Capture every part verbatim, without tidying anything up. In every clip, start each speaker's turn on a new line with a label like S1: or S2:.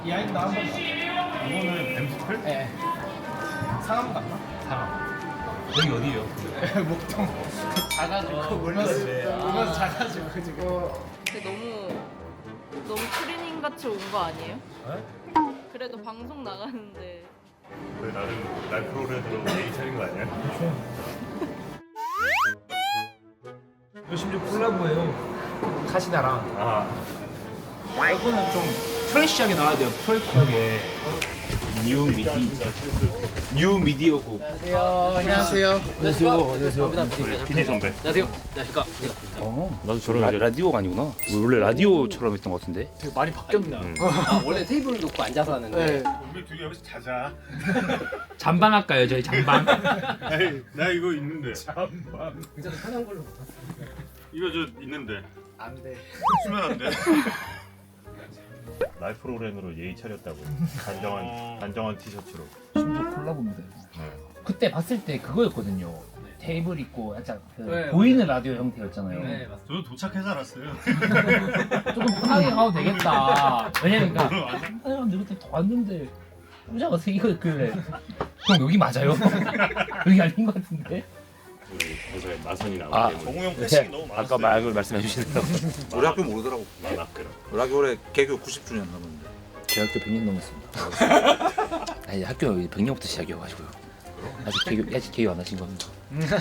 S1: 이 아이도 나온 거
S2: 이거는 엠스플?
S1: 네. 상암 갔나?
S2: 상암. 여기 어디예요?
S1: 목동. 작아지고 울면서 울면서 작아지고 그 지금.
S3: 근데 너무 너무 트레이닝 같이 온 거 아니에요?
S2: 네?
S3: 그래도 방송 나가는데
S2: 왜 나름 날 프로그램으로 예의 차린 거 아니야?
S4: 이거 심지어 콜라보예요. 카시나랑.
S2: 아,
S4: 이거는 좀 프레시하게 나와야 돼요. 프레시하게. 뉴 미디. 뉴 미디어고.
S1: 안녕하세요.
S4: 안녕하세요. 안녕하세요.
S2: 피디 선배.
S4: 안녕하세요. 안녕하십니까.
S5: 어, 나도 저런 라, 라디오가 아니구나. 원래 라디오처럼 했던 것 같은데.
S1: 되게 많이 바뀌었나?
S6: 아, 원래 테이블 놓고 앉아서 하는데
S1: 네.
S2: 우리 둘이 여기서 자자.
S4: 잠방할까요, 저희 잠방?
S2: 에이, 나 이거 있는데.
S6: 굉장히 편한 걸로
S2: 이거 저 있는데.
S1: 안 돼.
S2: 쓰면 안 돼. 날 프로그램으로 예의 차렸다고. 단정한 단정한 티셔츠로.
S4: 심지어 콜라보입니다.
S2: 네.
S4: 그때 봤을 때 그거였거든요. 테이블 있고 약간 그
S6: 네,
S4: 보이는 라디오 형태였잖아요.
S6: 네 맞습니다.
S2: 저도 도착해서 알았어요.
S4: 조금 편하게 가도 되겠다. 왜냐면 그러니까 한 사람들 그때 더 왔는데 부자가 세 개가 있길래 형 여기 맞아요? 여기 아닌 것 같은데?
S2: 회사에 나선이 나오기
S5: 아,
S2: 때문에.
S7: 정우영 패싱이 너무 많았어요.
S5: 아까 말을 말씀해 주시더라고.
S7: 우리 학교 모르더라고.
S2: 만학교로.
S7: 우리 학교 올해 개교 구십 주년 넘었는데.
S5: 제 학교 백 년 넘었습니다. 아니 학교 백 년부터 시작이어가지고요. 아직 개교 아직 개교 안 하신 겁니다.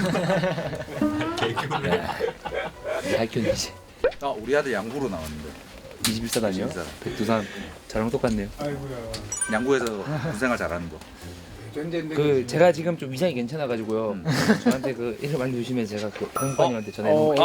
S5: 개교를. 학교는 이제
S7: 아 우리 아들 양구로 나왔는데.
S5: 이십일 사단이요.
S7: 이십일 사단.
S5: 백두산 저랑 똑같네요.
S7: 양구에서 군생활 잘하는 거.
S5: 그 제가 지금 좀 위장이 괜찮아가지고요.
S7: 음.
S5: 저한테 그 일을 알려주시면 제가 그 병관님한테 전화해놓을게요.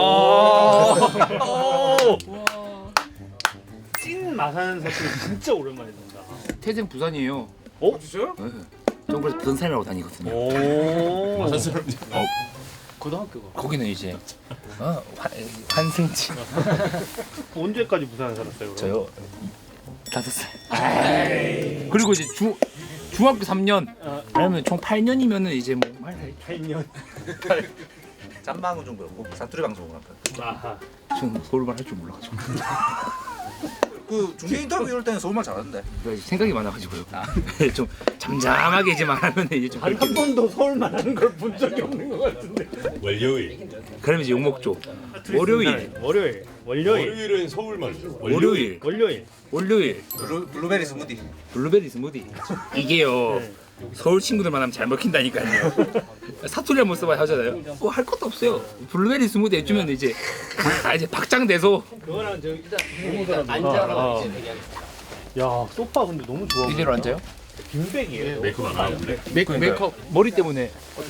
S3: 와
S2: 찐 마산 사실 진짜 오랜만에 본다.
S5: 태생 부산이에요.
S2: 어? 진짜요?
S5: 네. 전 그래서 부산 사람이라고 다니거든요.
S2: 오. 마산 사람.
S5: 어,
S6: 고등학교가
S5: 거기는 이제 어, 환, 환승지.
S2: 언제까지 부산에 살았어요? 그럼?
S5: 저요 다섯 살. 그리고 이제 중 중학교 삼 년. 아니면 총 팔 년이면은 이제 뭐 말.
S2: 팔 년.
S7: 짬방은 좀 그렇고 사투리 방송을 할까.
S2: 아하.
S5: 저는 서울말 할 줄 몰라가지고.
S7: 그 중계 인터뷰 이럴 때는 서울말 잘하는데.
S5: 그러니까 생각이 많아가지고요. 좀 잠잠하게 이제 말하면 이제 좀
S2: 한 번도 서울만 하는 걸 본 적이 없는 것 같은데. 월요일.
S5: 그러면 이제 욕 먹죠. 월요일,
S2: 월요일. 월요일. 월요일은 서울말.
S5: 월요일,
S2: 월요일.
S5: 월요일,
S7: 블루, 블루베리 스무디.
S5: 블루베리 스무디. 이게요. 서울 친구들만 하면 잘 먹힌다니까요. 사투리 한번 써봐야 하잖아요. 뭐 할 것도 없어요. 블루베리 스무디 해주면 이제 아, 이제 박장대소.
S2: 그거랑 저 일단
S6: 일단 앉아라
S2: 아, 아.
S6: 이제 얘기하겠습니다.
S2: 야 소파 근데 너무 좋아.
S5: 이대로 앉아요?
S2: 빈백이에요. 메이크업 안 하는데.
S5: 메이크 메이크업 머리 때문에.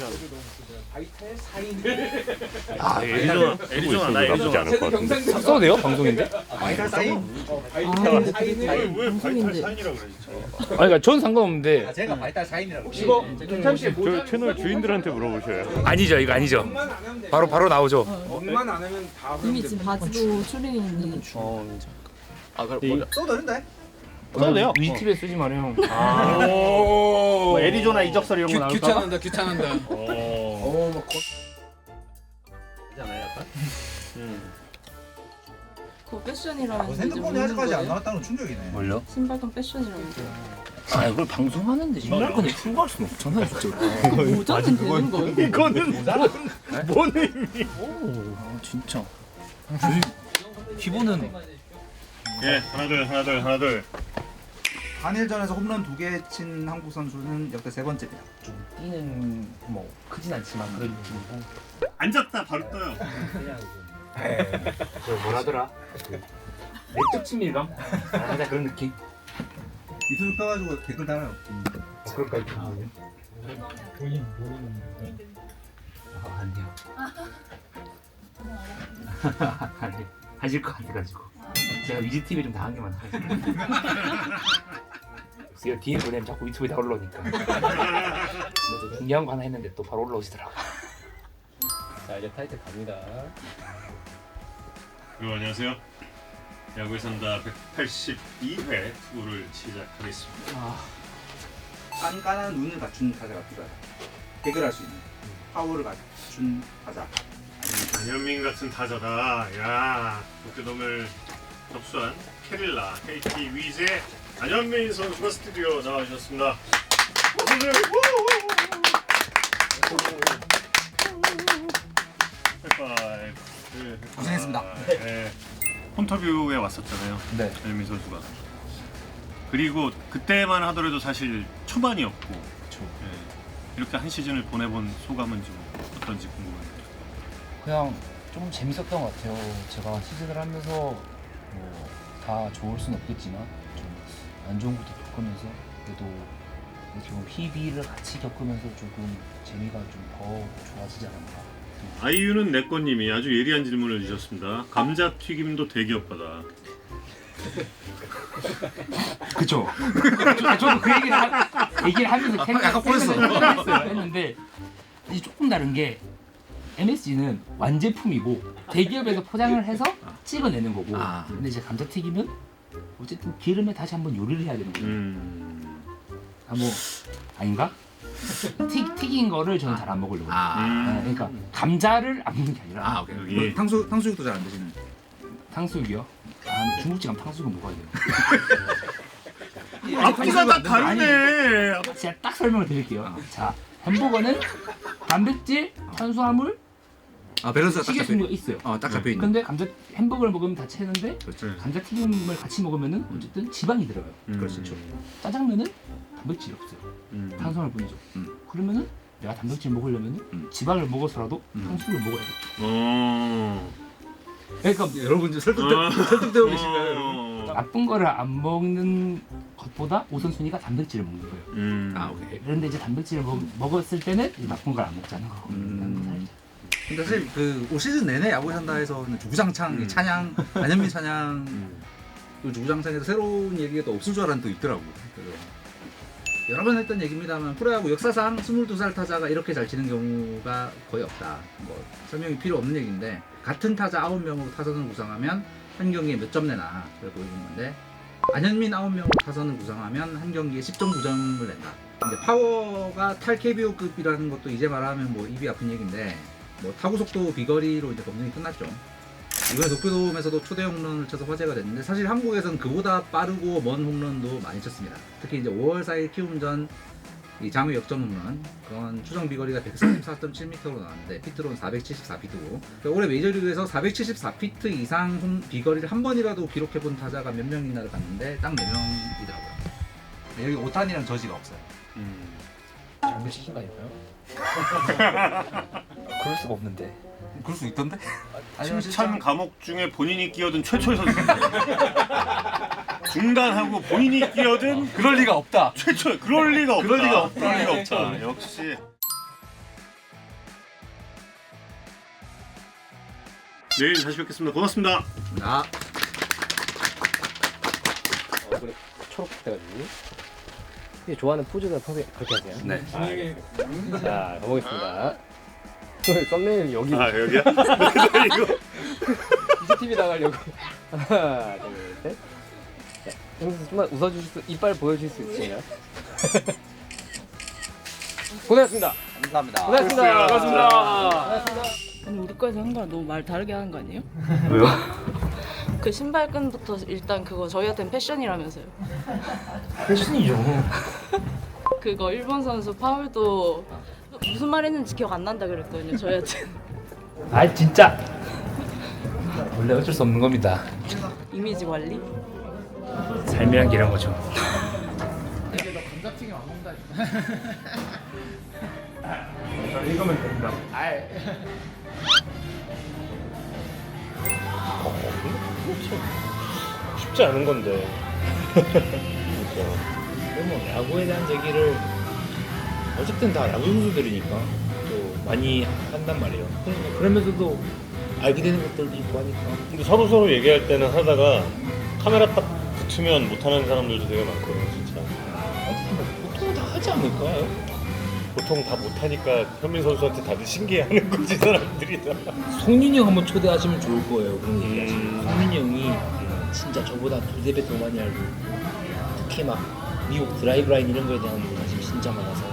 S2: 아 애리조나 애리조나 나 애리조나 않을 것 같은데.
S5: 써도 돼요? 방송인데?
S7: 바이탈 사인.
S2: 왜 바이탈 사인이라고 그래 진짜.
S5: 아니 그러니까 전 상관없는데.
S7: 아, 제가 바이탈 사인이라고.
S6: 이거
S2: 저 채널 주인들한테 물어보셔요.
S5: 아니죠, 이거 아니죠. 바로 바로 나오죠.
S1: 돈만 안 하면 다
S3: 이미 지금 바지도 추리닝인데
S6: 아 그럼
S2: 이-
S6: 먼저
S7: 써도 되는데.
S2: 써도 돼요.
S5: 위집에 쓰지 마요.
S2: 아. 뭐 애리조나 이적설 이런 거 나올까?
S1: 귀찮은다 귀찮은다.
S2: 어.
S1: 어막
S2: 있잖아요, 약간. 음.
S3: 그거 패션이라면서
S7: 어,
S3: 이제
S7: 핸드폰이
S3: 묻는
S7: 아직까지 안
S3: 거예요?
S7: 나왔다는 건 충격이네.
S5: 뭘요?
S3: 신발도 패션이라면서
S5: 아 이걸 방송하는데 신발 건데 출고할 수는 없잖아요, 진짜.
S3: 모자는 되는 거예요?
S2: 이거는 뭔, 뭔 의미?
S5: 아 진짜. 저희 기본은
S2: 예, 하나 둘 하나 둘 하나 둘.
S7: 한일전에서 홈런 두 개 친 한국 선수는 역대 세 번째입니다.
S4: 뛰는 뭐 크진 않지만 그래도 좀
S2: 앉았다 바로 떠요.
S4: 저 뭐라더라? 내적 친밀감? 아, 살짝 그런 느낌?
S7: 유튜브 펴가지고 댓글 달아요.
S4: 그럴까요? 본인 본인 아 아니요. 아니 하실 것 같아가지고 제가 위즈 티비 좀 당한 게 많아가지고. 제가 뒤에 보내면 자꾸 유튜브에 다 올라오니까. 그래서 중요한 거 하나 했는데 또 바로 올라오시더라고.
S6: 자 이제 타이틀 갑니다.
S2: 여러분 안녕하세요. 야구에 산다 백팔십이 회 투구를 시작하겠습니다.
S7: 깐깐한 눈을 갖춘 타자가 필요하다. 해결할 수 있는 파워를 갖춘 타자.
S2: 안현민 같은 타자다. 야, 도쿄돔을 접수한 캐릴라 케이티 위즈의 안현민 선수가 스튜디오 나와주셨습니다. 어서오세요. 하이파이브.
S7: 고생했습니다.
S2: 네. 폰터뷰에 왔었잖아요.
S4: 네.
S2: 안현민 선수가. 그리고 그때만 하더라도 사실 초반이었고 네. 이렇게 한 시즌을 보내본 소감은 좀 어떤지 궁금합니다.
S4: 그냥 좀 재밌었던 것 같아요. 제가 시즌을 하면서 뭐 다 좋을 순 없겠지만 좀 안 좋은 것도 겪으면서 그래도 좀 희비를 같이 겪으면서 조금 재미가 좀 더 좋아지지 않았나.
S2: 아이유는 내꺼님이 아주 예리한 질문을 주셨습니다. 감자튀김도 대기업하다.
S4: 그쵸. 저, 저도 그 얘기를, 하, 얘기를 하면서 생각,
S7: 약간 보였어.
S4: 생각했어요. 했는데 이제 조금 다른 게 엠에스지는 완제품이고 대기업에서 포장을 해서 찍어내는 거고
S7: 아.
S4: 근데 이제 감자튀김은 어쨌든 기름에 다시 한번 요리를 해야 되는 거예요.
S2: 음.
S4: 아, 뭐 아닌가? 튀, 튀긴 거를 저는 잘 안 먹으려고.
S7: 아,
S4: 네, 그러니까 감자를 안 먹는 게 아니라
S7: 아 오케이.
S2: 여기.
S7: 뭐 탕수 탕수육도 잘 안 드시는.
S4: 탕수육이요? 아, 중국집 가면 탕수육은 먹어야 돼요.
S2: 앞뒤가 다 다르네.
S4: 제가 딱 설명을 드릴게요. 자, 햄버거는 단백질, 탄수화물,
S7: 아 밸런스가 딱 잡혀.
S4: 식이섬유가 있어요.
S7: 어딱 잡혀 있네.
S4: 근데 감자 햄버거를 먹으면 다 채는데
S2: 그렇죠.
S4: 감자튀김을 같이 먹으면은 어쨌든 지방이 들어가요.
S2: 그렇죠.
S4: 짜장면은 단백질이 없어요.
S2: 음.
S4: 탄수화물 뿐이죠.
S7: 음.
S4: 그러면은 내가 단백질 먹으려면은
S7: 음.
S4: 지방을 먹어서라도
S7: 음.
S4: 탕수육을 먹어야 돼.
S2: 어.
S4: 그러니까
S7: 여러분 지금 설득
S2: 어.
S7: 설득되고 계신가요, 여러분?
S2: 어.
S4: 나쁜 거를 안 먹는 것보다 우선순위가 단백질을 먹는 거예요.
S2: 음.
S7: 아 오케이.
S4: 그런데 이제 단백질을 먹, 먹었을 때는 이제 나쁜 걸 안 먹자는 거.
S7: 음. 근데 사실 그올 시즌 내내 야구에 산다 해서는 주구장창
S2: 음.
S7: 찬양 안현민 찬양
S2: 음.
S7: 또 주구장창에서 새로운 얘기가 또 없을 줄 알았는데 또 있더라고. 그래서 여러 번 했던 얘기입니다만 프로야구 역사상 스물두 살 타자가 이렇게 잘 치는 경우가 거의 없다. 뭐 설명이 필요 없는 얘기인데 같은 타자 아홉 명으로 타선을 구성하면 한 경기에 몇 점 내나 그걸 보여주는 건데 안현민 아홉 명으로 타선을 구성하면 한 경기에 십 점 구 점을 낸다. 근데 파워가 탈 케이비오급이라는 것도 이제 말하면 뭐 입이 아픈 얘기인데 뭐 타구 속도 비거리로 이제 검증이 끝났죠. 이번에 도쿄돔에서도 초대 홈런을 쳐서 화제가 됐는데 사실 한국에서는 그보다 빠르고 먼 홈런도 많이 쳤습니다. 특히 이제 오월 사일 키움전 이 장외 역전 홈런 그건 추정 비거리가 백사십사 점 칠 미터로 나왔는데 피트로는 사백칠십사 피트고 그러니까 올해 메이저리그에서 사백칠십사 피트 이상 홈 비거리를 한 번이라도 기록해본 타자가 몇 명이나를 봤는데 딱 네 명이더라고요. 여기 오탄이랑 저지가 없어요.
S2: 음.
S4: 잘못 시킨 거 아닐까요? 그럴 수가 없는데.
S7: 그럴 수 있던데?
S2: 칭찬 감옥 중에 본인이 끼어든 최초의 선수. 중단하고 본인이 끼어든
S7: 그럴 리가 없다.
S2: 최초. 그럴 리가 없다.
S7: 그럴 리가 없다.
S2: 그럴 리가 없다. 역시. 내일 다시 뵙겠습니다. 고맙습니다.
S7: 나
S6: 얼굴에 초록 돼가지고. 혹시 좋아하는 포즈가 평소에 그렇게 하세요?
S7: 네.
S6: 아, 알겠습니다. 자, 가보겠습니다. 썸네일 여기
S2: 아 여기야? 이거.
S6: 이지티비 나가려고. 하나, 둘, 셋. 자, 형수 좀만 웃어주실 수, 이빨 보여주실 수 있으신가요? 고생하셨습니다.
S7: 감사합니다.
S6: 고생하셨습니다.
S2: 고맙습니다.
S3: 아니 우리 거에서 한 거랑 너무 말 다르게 하는 거 아니에요?
S2: 왜요?
S3: 그 신발끈부터 일단 그거 저희한테는 패션이라면서요.
S4: 패션이죠.
S3: 그거 일본 선수 파울도 무슨 말 했는지 기억 안 난다 그랬거든요. 저희한테
S4: 아 진짜. 원래 어쩔 수 없는 겁니다.
S3: 이미지 관리.
S4: 삶이란 게 이런 거죠.
S1: 이제 너 감자튀김 안 먹는다 했잖아.
S4: 읽으면 된다.
S1: 아이.
S2: 쉽지 않은 건데.
S4: 근데 뭐 야구에 대한 얘기를 어쨌든 다 야구 선수들이니까 또 많이 한단 말이에요. 그러니까 그러면서도 알게 되는 것들도 있고 하니까.
S2: 근데 서로 서로 얘기할 때는 하다가 카메라 딱 붙으면 못하는 사람들도 되게 많거든요, 진짜.
S4: 보통 다 하지 않을까요?
S2: 보통 다 못하니까 현민 선수한테 다들 신기해하는 거지 사람들이 다.
S4: 송민이 형 한번 초대하시면 좋을 거예요. 그런 얘기 하시면.
S2: 음.
S4: 송민이 형이 진짜 저보다 두세 배 더 많이 알고 특히 막 미국 드라이브 라인 이런 거에 대한 관심이 진짜 많아서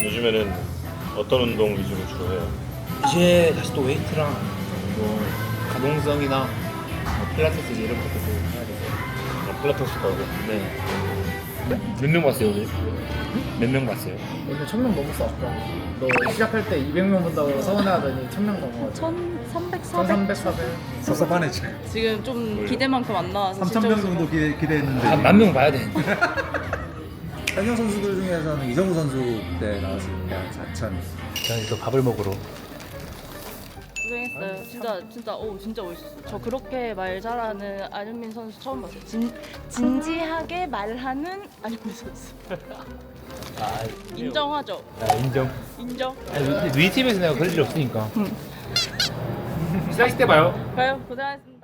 S2: 요즘에는 어떤 운동 위주로 주로 해요?
S4: 이제 다시 또 웨이트랑 뭐
S5: 기동성이나 뭐 필라테스 이런 것도 해야 돼서 필라테스 가고. 네. 몇 명 봤어요 오늘? 몇 명 봤어요?
S1: 오늘 천 명 넘었어 아까. 너 시작할 때 이백 명 본다고 서운해하더니 천 명 넘어가지고.
S3: 천삼백, 사백?
S1: 천삼백, 사백.
S8: 섭섭하네 지금.
S3: 지금 좀 기대만큼 안 나와서
S8: 삼천 명
S3: 실적으로.
S8: 정도 기대, 기대했는데.
S5: 한 만 명 봐야 돼.
S8: 현역 선수들 중에서는 이정우 선수 때 나왔으니까 사천.
S5: 저는 또 밥을 먹으러.
S3: 고생했어요. 진짜 진짜 오 진짜 멋있었어. 저 그렇게 말 잘하는 안현민 선수 처음 봤어요. 진 진지하게 말하는 안현민 선수.
S5: 아,
S3: 인정하죠.
S5: 아 인정.
S3: 인정.
S5: 아니, 우리 팀에서 내가 그럴 일 없으니까. 시작식 때 봐요.
S3: 가요. 고생하셨습니다.